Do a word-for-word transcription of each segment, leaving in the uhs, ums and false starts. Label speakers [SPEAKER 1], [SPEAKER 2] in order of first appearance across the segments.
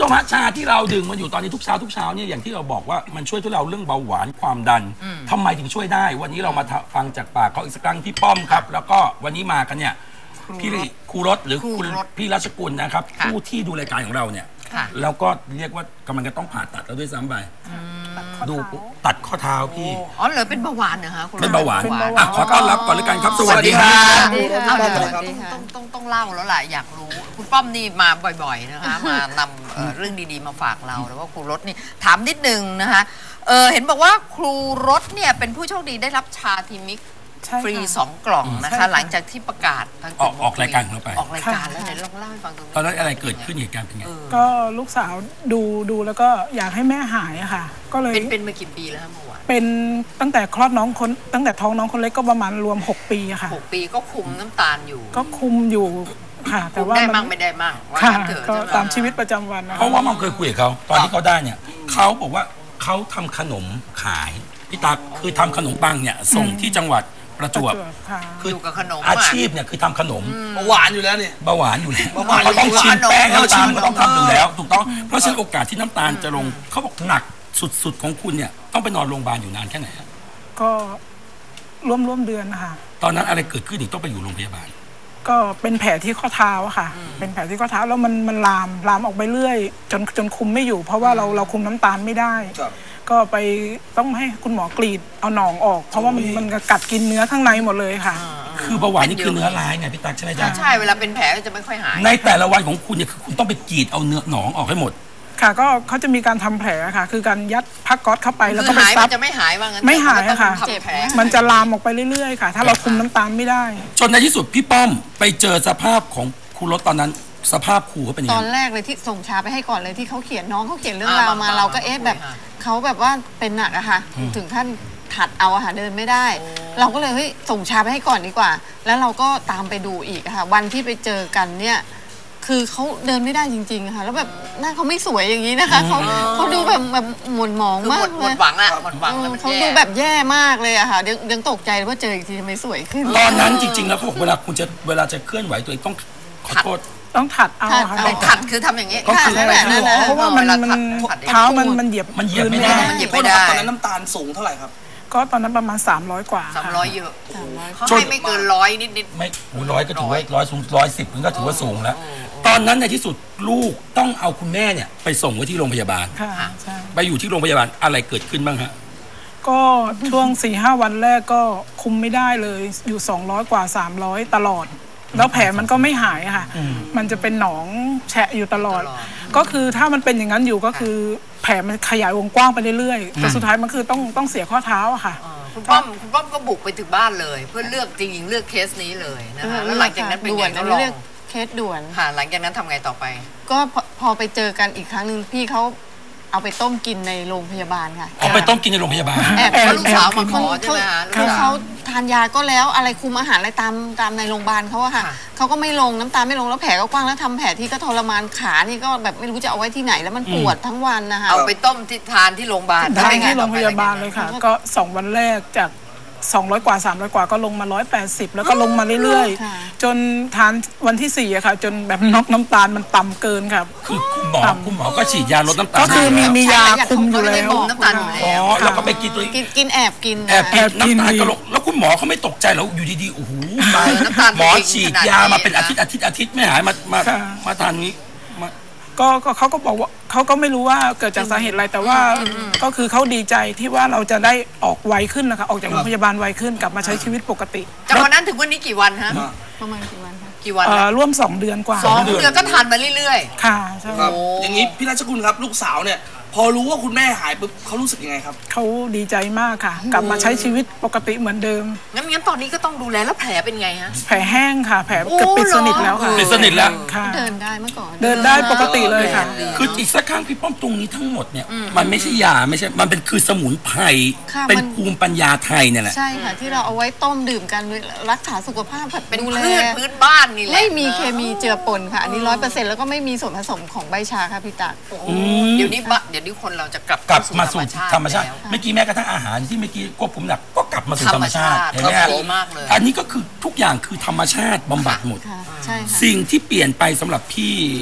[SPEAKER 1] ชมฮะชาที่เราดื่มมันอยู่ตอนนี้ทุกเช้าทุกเช้าเนี่ยอย่างที่เราบอกว่ามันช่วยทุเราเรื่องเบาหวานความดันทำไมถึงช่วยได้วันนี้เรามาฟังจากปากเขาอีกสักครั้งพี่ป้อมครับแล้วก็วันนี้มากันเนี่ยพี่ครูรถหรือคุณพี่รัชกุลนะครับผู้ที่ดูรายการของเราเนี่ยแล้วก็เรียกว่ากำลังจะต้องผ่าตัดแล้วด้วยซ้ำไปดูตัดข้อเท้าพี่
[SPEAKER 2] อ๋อเหรอเป็นเบาหวานเหรอคะ
[SPEAKER 1] เป็นเบาหวานอ่ะขอต้อนรับก่อนเลยกันครับสวัสดีครับ
[SPEAKER 2] ต้องต้องต้องเล่าแล้วแหละอยากรู้คุณป้อมนี่มาบ่อยๆนะคะมานำเรื่องดีๆมาฝากเราแล้วว่าครูรถนี่ถามนิดนึงนะคะเออเห็นบอกว่าครูรถเนี่ยเป็นผู้โชคดีได้รับชาทีมิกฟรีสองกล่องนะคะหลังจากที่ประกาศ
[SPEAKER 1] ออกออกรายการของเราไป
[SPEAKER 2] ออกรายการแล้วไหนลองเล่าให้ฟังตรงนี้
[SPEAKER 1] ตอนนั้นอะไรเกิดขึ้นเหตุการณ์เป็นไง
[SPEAKER 3] ก็ลูกสาวดูดูแล้วก็อยากให้แม่หายอะค่ะก็เลย
[SPEAKER 2] เป็นเป็นมากี่ปีแล้วเมื่อวาน
[SPEAKER 3] เป็นตั้งแต่คลอดน้องคนตั้งแต่ท้องน้องคนเล็กก็ประมาณรวมหกปีอะค่ะ
[SPEAKER 2] หกปีก็คุมน้ำตาลอยู่
[SPEAKER 3] ก็คุมอยู่ค่ะแต่ว่า
[SPEAKER 2] ได้มั่งไม่ได้มั่ง
[SPEAKER 3] ค่ะก็ตามชีวิตประจำวันนะ
[SPEAKER 1] เพราะว่ามันเคยคุยกับเขาตอนที่เขาได้เนี่ยเขาบอกว่าเขาทำขนมขายพี่ตั๊กคือทำขนมปังเนี่ยส่งที่จังหวัดประจวบ
[SPEAKER 2] คือกับขนม
[SPEAKER 1] อาชีพเนี่ยคือทำขนม
[SPEAKER 4] เบาหวานอยู่แล้วเนี่ย
[SPEAKER 1] เบาหวานอยู่แล้วเขาต้องชิมแป้งน้ำตาลก็ต้องทำอยู่แล้วถูกต้องเพราะฉะนั้นโอกาสที่น้ำตาลจะลงเขาบอกหนักสุดๆของคุณเนี่ยต้องไปนอนโรงพยาบาลอยู่นานแค่ไหน
[SPEAKER 3] ก็ร่วมร่วมเดือนนะคะ
[SPEAKER 1] ตอนนั้นอะไรเกิดขึ้นถึงต้องไปอยู่โรงพยาบาล
[SPEAKER 3] ก็เป็นแผลที่ข้อเท้าค่ะเป็นแผลที่ข้อเท้าแล้วมันมันลามลามออกไปเรื่อยจนจนคุมไม่อยู่เพราะว่าเราเราคุมน้ำตาลไม่ได้ก็ไปต้องให้คุณหมอกรีดเอาหนองออกเพราะว่ามันมันกัดกินเนื้อข้างในหมดเลยค่ะ
[SPEAKER 1] คือเบาหวานนี่คือเนื้อร้ายไงพี่ตั๊กใช่ไหมจ๊ะ
[SPEAKER 2] ใช่เวลาเป็นแผลจะไม่ค่อยหาย
[SPEAKER 1] ในแต่ละวันของคุณเนี่ยคือคุณต้องไปกรีดเอาเนื้อหนองออกให้หมด
[SPEAKER 3] ค่ะก็เขาจะมีการทำแผลค่ะคือการยัดผ้าก๊อซเข้าไปแล้วก็ไป
[SPEAKER 2] ซับจะไม่หายว่างั้น
[SPEAKER 3] ไม่หายค่ะมันจะลามออกไปเรื่อยๆค่ะถ้าเราคุมน้ำตาลไม่ได้
[SPEAKER 1] จนในที่สุดพี่ป้อมไปเจอสภาพของครูรถตอนนั้นสภาพครูเขาเป็นยังไง
[SPEAKER 5] ตอนแรกเลยที่ส่งชาไปให้ก่อนเลยที่เขาเขียนน้องเขาเขียนเรื่องราวมาเราก็เอ๊ะแบบเขาแบบว่าเป็นหนักอะค่ะถึงขั้นถัดเอาอะค่ะเดินไม่ได้เราก็เลยเฮ้ยส่งชาไปให้ก่อนดีกว่าแล้วเราก็ตามไปดูอีกค่ะวันที่ไปเจอกันเนี่ยคือเขาเดินไม่ได้จริงๆค่ะแล้วแบบหน้าเขาไม่สวยอย่างนี้นะคะเขาเขาดูแบบแบบหม่นหมองมาก
[SPEAKER 2] หมดหวังอะหมดหวัง
[SPEAKER 5] เขาดูแบบแย่มากเลยอะค่ะยังตกใจว่าเจออีกทีทำไมสวยขึ้น
[SPEAKER 1] ตอนนั้นจริงๆแล้วเขาบอกเวลาคุณจะเวลาจะเคลื่อนไหวตัวเองต้องขอโทษ
[SPEAKER 3] ต้องถัดเอา
[SPEAKER 2] ค่ะถัดคือทำอย่างนี้
[SPEAKER 3] ก็คือเพราะว่ามันมันเท้ามันมันเหยียบ
[SPEAKER 1] มันเหยียบไม่ได้
[SPEAKER 2] มันเหยียบไม่ได้
[SPEAKER 4] ตอนนั้นน้ำตาลสูงเท่าไหร่ครับ
[SPEAKER 3] ก็ตอนนั้นประมาณสามร้อยกว่า
[SPEAKER 2] สามร้อยเยอะเขาให้ไม่เกินร้อยนิด
[SPEAKER 1] ๆไม่ร้อยก็ถือว่าร้อยสูงร้อยสิบมันก็ถือว่าสูงแล้วตอนนั้นในที่สุดลูกต้องเอาคุณแม่เนี่ยไปส่งไว้ที่โรงพยาบาลไปอยู่ที่โรงพยาบาลอะไรเกิดขึ้นบ้างฮะ
[SPEAKER 3] ก็ช่วงสี่ห้าวันแรกก็คุมไม่ได้เลยอยู่สองร้อยกว่าสามร้อยตลอดแล้วแผลมันก็ไม่หายค่ะมันจะเป็นหนองแฉะอยู่ตลอดก็คือถ้ามันเป็นอย่างนั้นอยู่ก็คือแผลมันขยายวงกว้างไปเรื่อยๆแต่สุดท้ายมันคือต้องต้องเสียข้อเท้าอะค่ะ
[SPEAKER 2] คุณป้อมคุณป้อมก็บุกไปถึงบ้านเลยเพื่อเลือกจริงๆเลือกเคสนี้เลยนะคะแล้วหลังจากนั้นเป็นไงก็
[SPEAKER 5] เลือกเคสด่วน
[SPEAKER 2] ค่ะหลังจากนั้นทำไงต่อไป
[SPEAKER 5] ก็พอไปเจอกันอีกครั้งหนึ่งพี่เขาเอาไปต้มกินในโรงพยาบาลค่ะ
[SPEAKER 1] เอาไปต้มกินในโรงพยาบาล
[SPEAKER 5] แอบ
[SPEAKER 2] ลูกสาวมาขอใช่ไหมคะ
[SPEAKER 5] คือเขาทานยาก็แล้วอะไรคุมอาหารอะไรตามตามในโรงพยาบาลเขาอะค่ะเขาก็ไม่ลงน้ำตาไม่ลงแล้วแผลก็กว้างแล้วทำแผลที่ก็ทรมานขานี่ก็แบบไม่รู้จะเอาไว้ที่ไหนแล้วมันปวดทั้งวันนะคะ
[SPEAKER 2] เอาไปต้มที่ทานที่โรงพยาบาล
[SPEAKER 3] ทานที่โรงพยาบาลเลยค่ะก็สองวันแรกจากสองร้อยกว่าสามร้อยกว่าก็ลงมาหนึ่งร้อยแปดสิบแล้วก็ลงมาเรื่อยๆจนทานวันที่สี่อะค่ะจนแบบน็อกน้ำตาลมันต่ำเกินครับ
[SPEAKER 1] คือคุณหมอคุณหมอก็ฉีดยาลดน้ำตาล
[SPEAKER 3] ก็คือมีมียาคุมอยู่แล้ว
[SPEAKER 2] น้ำตาล
[SPEAKER 1] อ๋อแล้วก็ไปกินตัว
[SPEAKER 5] กินแอบกิน
[SPEAKER 1] แอบกินน้ำตาลก็ลงแล้วคุณหมอเขาไม่ตกใจแล้วอยู่ดีๆโอ้โหหมอฉีดยามาเป็นอาทิตย์อาทิตย์อาทิตย์ไม่หายมามามาทานนี้
[SPEAKER 3] ก็เขาก็บอกว่าเขาก็ไม่รู้ว่าเกิดจากสาเหตุอะไรแต่ว่าก็คือเขาดีใจที่ว่าเราจะได้ออกไวขึ้นนะคะออกจากโรงพยาบาลไวขึ้นกลับมาใช้ชีวิตปกติ
[SPEAKER 2] จากวันนั้นถึงวันนี้กี่วันฮะ
[SPEAKER 5] ประมาณกี่วันคะ
[SPEAKER 2] กี่วัน
[SPEAKER 3] ร่วมสองเดือนกว่า
[SPEAKER 2] สองเดือนก็ทานมาเรื่อย
[SPEAKER 3] ๆค่ะใช่
[SPEAKER 4] ครับอย่างนี้พี่ราชกุลครับลูกสาวเนี่ยพอรู้ว่าคุณแม่หายปุ๊บเขารู้สึกยังไงครับ
[SPEAKER 3] เขาดีใจมากค่ะกลับมาใช้ชีวิตปกติเหมือนเดิม
[SPEAKER 2] งั้นงั้นตอนนี้ก็ต้องดูแลแล้วแผลเป็นไงฮะ
[SPEAKER 3] แผลแห้งค่ะแผลเกือบปิดสนิทแล้วค่ะ
[SPEAKER 1] ปิดสนิทแล้ว
[SPEAKER 5] ค่ะเดินได้เมื่อก่อน
[SPEAKER 3] เดินได้ปกติเลยค่ะ
[SPEAKER 1] คืออีกสักครั้งพี่ป้อมตรงนี้ทั้งหมดเนี่ยมันไม่ใช่ยาไม่ใช่มันเป็นคือสมุนไพรเป็นภูมิปัญญาไทยเนี่ยแหละ
[SPEAKER 5] ใช่ค่ะที่เราเอาไว้ต้มดื่มกันรักษาสุขภาพ
[SPEAKER 2] เป็นพืชพื้นบ้านนี่แหละ
[SPEAKER 5] ไม่มีเคมีเจือปนค่ะอันนี้ร้อยเปอร์เซ็นต์แล้วก็ไม่มีส่วนผสมของใบชาค่ะพี่ตั๊ก
[SPEAKER 2] เดี๋ยวนี้เดี๋ยวนี้คนเราจะกลับ
[SPEAKER 1] กลับมาสู่ธรรมชาติเมื่อกี้แม้กระทั่งอาหารที่เมื่อกี้ควบคุมหนักก็กลับมาสู่ธรรมชาติเห็นไหมอันนี้ก็คือทุกอย่างคือธรรมชาติบำบัดหมดสิ่งที่เปลี่ยนไปสำหรับพี่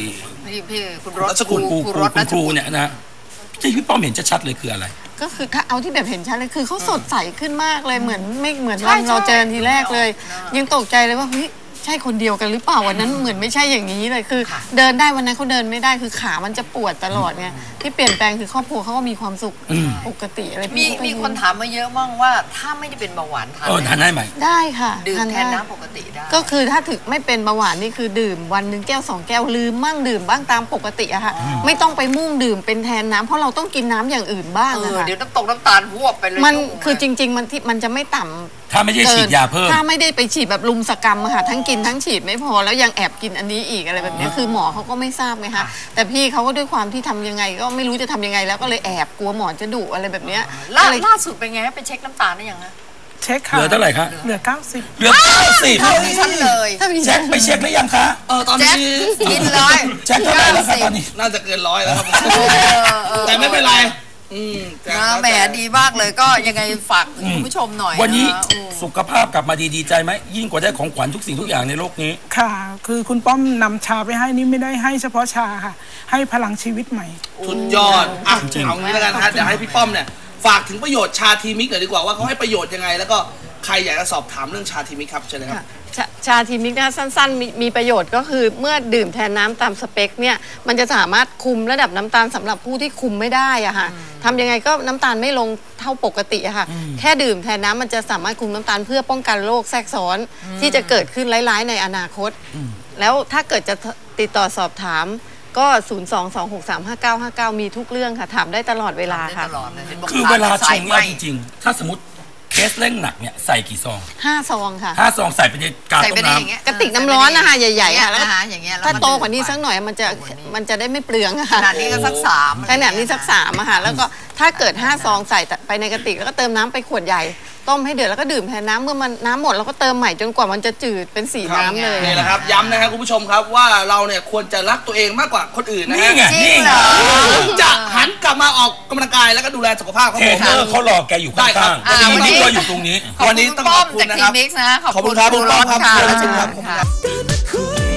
[SPEAKER 2] พี่พี่คุณรถ
[SPEAKER 1] ครูครูครูคุณครูเนี่ยนะที่พี่ป้อมเห็นชัดๆเลยคืออะไร
[SPEAKER 5] ก็คือเอาที่แบบเห็นชัดเลยคือเขาสดใสขึ้นมากเลยเหมือนไม่เหมือนวันเราเจอทีแรกเลยยังตกใจเลยว่าเฮ้ยใช่คนเดียวกันหรือเปล่าวันนั้นเหมือนไม่ใช่อย่างนี้เลยคือเดินได้วันนั้นเขาเดินไม่ได้คือขามันจะปวดตลอดไงที่เปลี่ยนแปลงคือครอบครัวเขาก็มีความสุขปกติอะไร
[SPEAKER 2] มีมีคนถามมาเยอะมากว่าถ้าไม่ได้เป็นเบาหวานทาน
[SPEAKER 1] เออทานได้ไหม
[SPEAKER 5] ได้ค่ะ
[SPEAKER 2] ดื่มแทนน้ำปกติได้
[SPEAKER 5] ก็คือถ้าถึงไม่เป็นเบาหวานนี่คือดื่มวันหนึ่งแก้วสองแก้วลืมมั่งดื่มบ้างตามปกติอะค่ะไม่ต้องไปมุ่งดื่มเป็นแทนน้ำเพราะเราต้องกินน้ำอย่างอื่นบ้างอะค่ะ
[SPEAKER 2] เดี๋ยวน้ำตกน้ำตาลพวบไปเลย
[SPEAKER 5] มันคือจริงๆมันที่มันจะไม่ต่ำ
[SPEAKER 1] ถ้าไม่ได้ฉีดยาเพิ่ม
[SPEAKER 5] ถ้าไม่ได้ไปฉีดแบบลุมสกรรมค่ะทั้งกินทั้งฉีดไม่พอแล้วยังแอบกินอันนี้อีกอะไรแบบนี้คือหมอเขาก็ไม่ทราบไงคะแต่พี่เขาก็ด้วยความที่ทำยังไงก็ไม่รู้จะทำยังไงแล้วก็เลยแอบกลัวหมอจะดุอะไรแบบนี้
[SPEAKER 2] ล่าล่าสุดเป็นไงไปเช็คน้ำตาลได้ยังนะ
[SPEAKER 3] เช็คค่ะ
[SPEAKER 1] เหลือเท่าไหร่คะ
[SPEAKER 3] เหลือเก้าสิบ
[SPEAKER 1] เหลือเก้าสิบ
[SPEAKER 2] เท่านี้ฉันเลย
[SPEAKER 1] เช็คไปเช็คได้ยังคะ
[SPEAKER 4] เออตอนนี้
[SPEAKER 2] กินเลย
[SPEAKER 1] เช็คเท่าไหร่แล้วคะตอนนี้
[SPEAKER 4] น่าจะเกินร้อยแล้วครับแต่ไม่เป็นไรอืม
[SPEAKER 2] นะแหมดีมากเลยก็ยังไงฝากคุณผู้ชมหน่อย
[SPEAKER 1] วันนี้สุขภาพกลับมาดีดีใจไหมยิ่งกว่าได้ของขวัญทุกสิ่งทุกอย่างในโลกนี้
[SPEAKER 3] ค่ะคือคุณป้อมนำชาไปให้นี่ไม่ได้ให้เฉพาะชาค่ะให้พลังชีวิตใหม่
[SPEAKER 4] สุดยอดอ่ะเอางี้แล้วกันฮะเดี๋ยวให้พี่ป้อมเนี่ยฝากถึงประโยชน์ชาทีมิกหน่อยดีกว่าว่าเขาให้ประโยชน์ยังไงแล้วก็ใครอยากจะสอบถามเรื่องชาทีมิกครับเชิญเลยครับ
[SPEAKER 5] ชาทีมิกนะสั้นๆ มีมีประโยชน์ก็คือเมื่อดื่มแทนน้ำตามสเปคเนี่ยมันจะสามารถคุมระดับน้ำตาลสำหรับผู้ที่คุมไม่ได้อะค่ะทำยังไงก็น้ำตาลไม่ลงเท่าปกติอะค่ะแค่ดื่มแทนน้ำมันจะสามารถคุมน้ำตาลเพื่อป้องกันโรคแทรกซ้อนที่จะเกิดขึ้นร้ายๆในอนาคตแล้วถ้าเกิดจะติดต่อสอบถามก็ ศูนย์ สอง สอง หก สาม ห้า เก้า ห้า เก้า มีทุกเรื่องค่ะถามได้ตลอดเวลาค่ะ
[SPEAKER 1] คือเวลาชงเนี่ยจริงๆถ้าสมมติเคสเร่งหนักเนี่ยใส่กี่ซอง
[SPEAKER 5] ห้าซองค่ะ
[SPEAKER 1] ห้าซองใส่ไปในกาต้มน้
[SPEAKER 5] ำกระติกน้ำร้อนนะคะใหญ่ๆค่ะแล้วถ้าโตกว่านี้สักหน่อยมันจะมันจะได้ไม่เปลืองค่ะ
[SPEAKER 2] ขนาดนี้ก็สักสาม
[SPEAKER 5] ขนาดนี้สักสามอะค่ะแล้วก็ถ้าเกิดห้าซองใส่ไปในกระติกแล้วก็เติมน้ำไปขวดใหญ่ต้มให้เดือดแล้วก็ดื่มแทนน้ำเมื่อมันน้ำหมดเราก็เติมใหม่จนกว่ามันจะจืดเป็นสีน้ำเลย
[SPEAKER 4] นี่แหละครับย้ำนะครับคุณผู้ชมครับว่าเราเนี่ยควรจะรักตัวเองมากกว่าคนอื่นนะฮะ
[SPEAKER 1] นี่ไงนี่ไง
[SPEAKER 4] จะหันกลับมาออกกำลังกายแล้วก็ดูแลสุขภาพครับผม
[SPEAKER 1] เขารอแกอยู่ข้างๆวันนี้เราอยู่ตรงนี้
[SPEAKER 2] วันนี้ต้องขอบคุณนะครับขอบคุณครับคุณรถค่ะ